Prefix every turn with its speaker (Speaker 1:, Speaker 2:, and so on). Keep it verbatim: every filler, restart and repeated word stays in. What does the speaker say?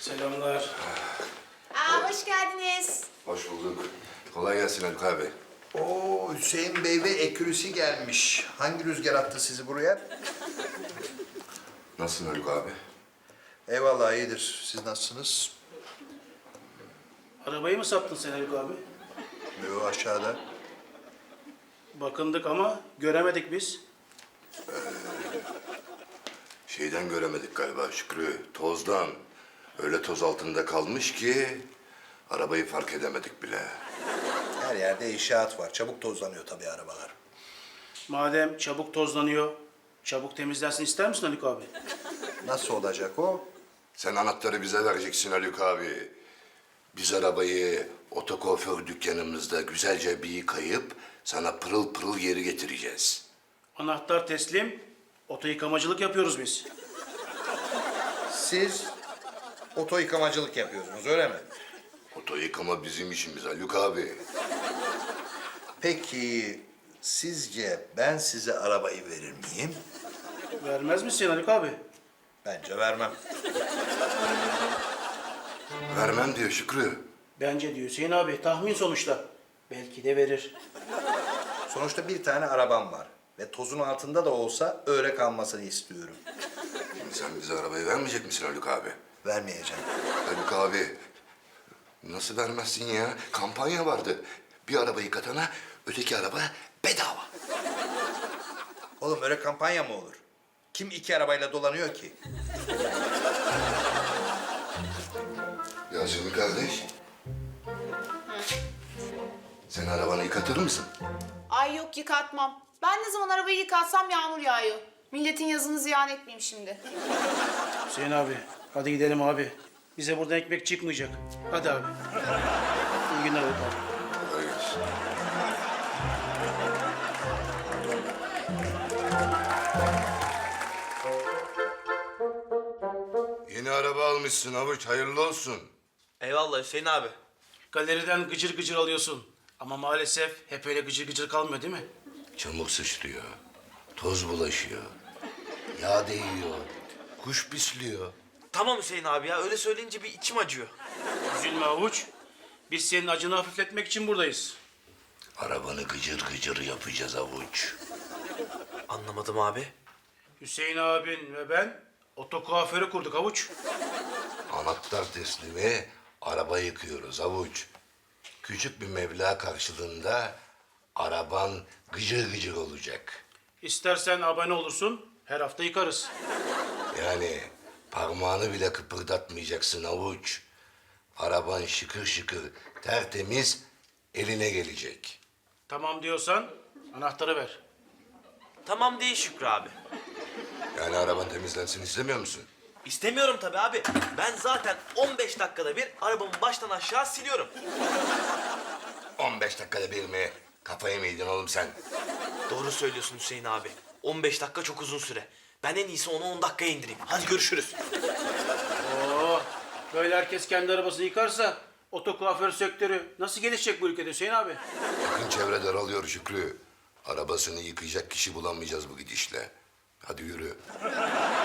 Speaker 1: Selamlar.
Speaker 2: Aa, hoş geldiniz.
Speaker 3: Hoş bulduk. Kolay gelsin Haluk abi.
Speaker 4: Oo, Hüseyin Bey ve ekürüsü gelmiş. Hangi rüzgar attı sizi buraya?
Speaker 3: Nasılsın Haluk abi?
Speaker 4: Eyvallah, iyidir. Siz nasılsınız?
Speaker 1: Arabayı mı sattın sen Haluk abi?
Speaker 4: Yo, aşağıda.
Speaker 1: Bakındık ama göremedik biz.
Speaker 3: Şeyden göremedik galiba Şükrü, tozdan. Öyle toz altında kalmış ki arabayı fark edemedik bile.
Speaker 4: Her yerde inşaat var. Çabuk tozlanıyor tabii arabalar.
Speaker 1: Madem çabuk tozlanıyor, çabuk temizlensin ister misin Haluk abi?
Speaker 4: Nasıl olacak o?
Speaker 3: Sen anahtarı bize vereceksin Haluk abi. Biz arabayı otokuaför dükkanımızda güzelce bir yıkayıp sana pırıl pırıl geri getireceğiz.
Speaker 1: Anahtar teslim, oto yıkamacılık yapıyoruz biz.
Speaker 4: Siz oto yıkamacılık yapıyorsunuz, öyle mi?
Speaker 3: Oto yıkama bizim işimiz Haluk abi.
Speaker 4: Peki, sizce ben size arabayı verir miyim?
Speaker 1: Vermez misin Haluk abi?
Speaker 4: Bence vermem.
Speaker 3: Vermem diyor Şükrü.
Speaker 1: Bence diyor Hüseyin abi, tahmin sonuçta. Belki de verir.
Speaker 4: Sonuçta bir tane arabam var. Ve tozun altında da olsa öyle kalmasını istiyorum.
Speaker 3: Şimdi sen bize arabayı vermeyecek misin Haluk abi?
Speaker 4: Vermeyeceğim.
Speaker 3: Haluk abi, nasıl vermezsin ya? Kampanya vardı. Bir araba yıkatana öteki araba bedava.
Speaker 4: Oğlum öyle kampanya mı olur? Kim iki arabayla dolanıyor ki?
Speaker 3: Yasemin kardeş. Sen arabanı yıkatır mısın?
Speaker 2: Ay yok, yıkatmam. Ben ne zaman arabayı yıkatsam yağmur yağıyor. Milletin yazını ziyan etmeyeyim şimdi.
Speaker 1: Hüseyin abi, hadi gidelim abi. Bize buradan ekmek çıkmayacak. Hadi abi. İyi günler Haluk abi.
Speaker 3: Kolay gelsin. Yeni araba almışsın Avuç, hayırlı olsun.
Speaker 5: Eyvallah Hüseyin abi.
Speaker 1: Galeriden gıcır gıcır alıyorsun. Ama maalesef hep öyle gıcır gıcır kalmıyor değil mi?
Speaker 3: Çamur sıçrıyor, toz bulaşıyor, yağ değiyor, kuş pisliyor.
Speaker 5: Tamam Hüseyin abi ya öyle söyleyince bir içim acıyor.
Speaker 1: Üzülme Avuç. Biz senin acını hafifletmek için buradayız.
Speaker 3: Arabanı gıcır gıcır yapacağız Avuç.
Speaker 5: Anlamadım abi.
Speaker 1: Hüseyin abin ve ben oto kuaförü kurduk Avuç.
Speaker 3: Anahtar teslimi, araba yıkıyoruz Avuç. Küçük bir meblağ karşılığında araban gıcır gıcır olacak.
Speaker 1: İstersen abone olursun, her hafta yıkarız.
Speaker 3: Yani parmağını bile kıpırdatmayacaksın Avuç. Araban şıkır şıkır, tertemiz eline gelecek.
Speaker 1: Tamam diyorsan anahtarı ver.
Speaker 5: Tamam değil Şükrü abi.
Speaker 3: Yani araban temizlensin istemiyor musun?
Speaker 5: İstemiyorum tabii abi. Ben zaten on beş dakikada bir arabamı baştan aşağı siliyorum.
Speaker 3: on beş dakikada bir mi? Kafayı mı yedin oğlum sen?
Speaker 5: Doğru söylüyorsun Hüseyin abi. on beş dakika çok uzun süre. Ben en iyisi onu on dakikaya indireyim. Hadi görüşürüz.
Speaker 1: Oo, böyle herkes kendi arabasını yıkarsa oto kuaför sektörü nasıl gelişecek bu ülkede Hüseyin abi?
Speaker 3: Yakın çevre daralıyor Şükrü. Arabasını yıkayacak kişi bulamayacağız bu gidişle. Hadi yürü.